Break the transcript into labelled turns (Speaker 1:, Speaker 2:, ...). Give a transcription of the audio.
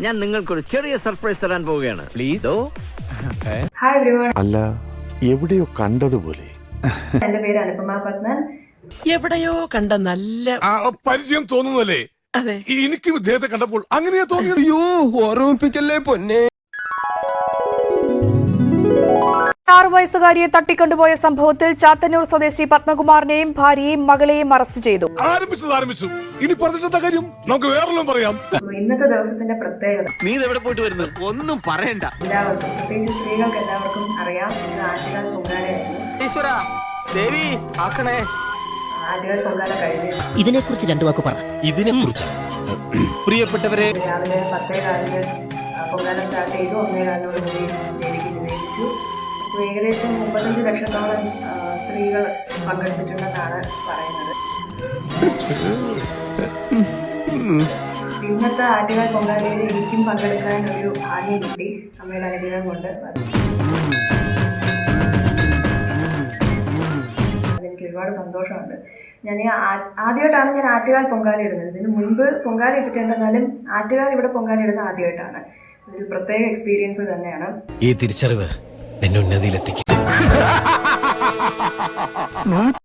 Speaker 1: ഞാൻ നിങ്ങൾക്കൊരു ചെറിയ സർപ്രൈസ് തരാൻ പോവുകയാണ്. പ്ലീസ്.
Speaker 2: Hi everyone.
Speaker 3: അല്ല, എവിടെയോ കണ്ടതുപോലെ.
Speaker 2: എന്റെ പേര് അനുപമ പത്മൻ.
Speaker 4: എവിടെയോ കണ്ട നല്ല
Speaker 5: പരിചയം തോന്നുന്നല്ലേ?
Speaker 4: അതെ,
Speaker 5: എനിക്കും ഇദ്ദേഹത്തെ കണ്ടപ്പോൾ അങ്ങനെയാ തോന്നിയത്.
Speaker 6: അയ്യോ, ഓർമ്മിപ്പിക്കല്ലേ പൊന്നെ.
Speaker 7: 6 വയസ്സുകാരിയെ തട്ടിക്കൊണ്ടുപോയ സംഭവത്തിൽ ചാത്തന്നൂർ സ്വദേശി പത്മകുമാറിനെയും ഭാര്യയെയും മകളെയും അറസ്റ്റ് ചെയ്തു.
Speaker 5: ആരംഭിച്ചു. ഇനി പറഞ്ഞിട്ടെന്താ കാര്യം? നമുക്ക് വേറെല്ലാം പറയാം.
Speaker 2: ഇന്നത്തെ ദിവസത്തിന്റെ പ്രത്യേകത
Speaker 1: നീ എവിടെ പോയിട്ട് വരുന്നത്? ഒന്നും പറയണ്ട.
Speaker 2: എല്ലാവർക്കും, പ്രത്യേകിച്ച് സ്ത്രീകൾക്ക് എല്ലാവർക്കും അറിയാം, ഇന്ന് ആറ്റുകാൽ പൊങ്കാലയായിരുന്നു. ആറ്റുകാൽ പൊങ്കാല കഴിഞ്ഞു.
Speaker 4: ഇതിനെക്കുറിച്ച് രണ്ടു വാക്ക് പറ.
Speaker 6: ഇതിനെക്കുറിച്ച് പ്രിയപ്പെട്ടവരെ,
Speaker 2: രാവിലെ 10:15 പൊങ്കാല സ്റ്റാർട്ട് ചെയ്തു. 1:15 കൂടി ദേവിക്ക് നിവേദിച്ചു. ഇപ്പോൾ ഏകദേശം 35 ലക്ഷത്തോളം സ്ത്രീകൾ പങ്കെടുത്തിട്ടുണ്ടെന്നാണ് പറയുന്നത്. ഇന്നത്തെ ആറ്റുകാൽ പൊങ്കാലയിൽ എനിക്കും പങ്കെടുക്കാൻ ഒരു ഭാഗ്യം കിട്ടി, അമ്മയുടെ അനുഗ്രഹം കൊണ്ട്. അതെനിക്ക് ഒരുപാട് സന്തോഷമുണ്ട്. ആദ്യമായിട്ടാണ് ഞാൻ ആറ്റുകാൽ പൊങ്കാല ഇടുന്നത്. ഇതിന് മുൻപ് പൊങ്കാല ഇട്ടിട്ടുണ്ടെന്നാലും ആറ്റുകാൽ ഇവിടെ പൊങ്കാല ഇടുന്നത് ആദ്യമായിട്ടാണ്. ഒരു പ്രത്യേക എക്സ്പീരിയൻസ് തന്നെയാണ്.
Speaker 6: ഈ തിരിച്ചറിവ് എന്നെ ഉന്നതിയിലെത്തിക്കും.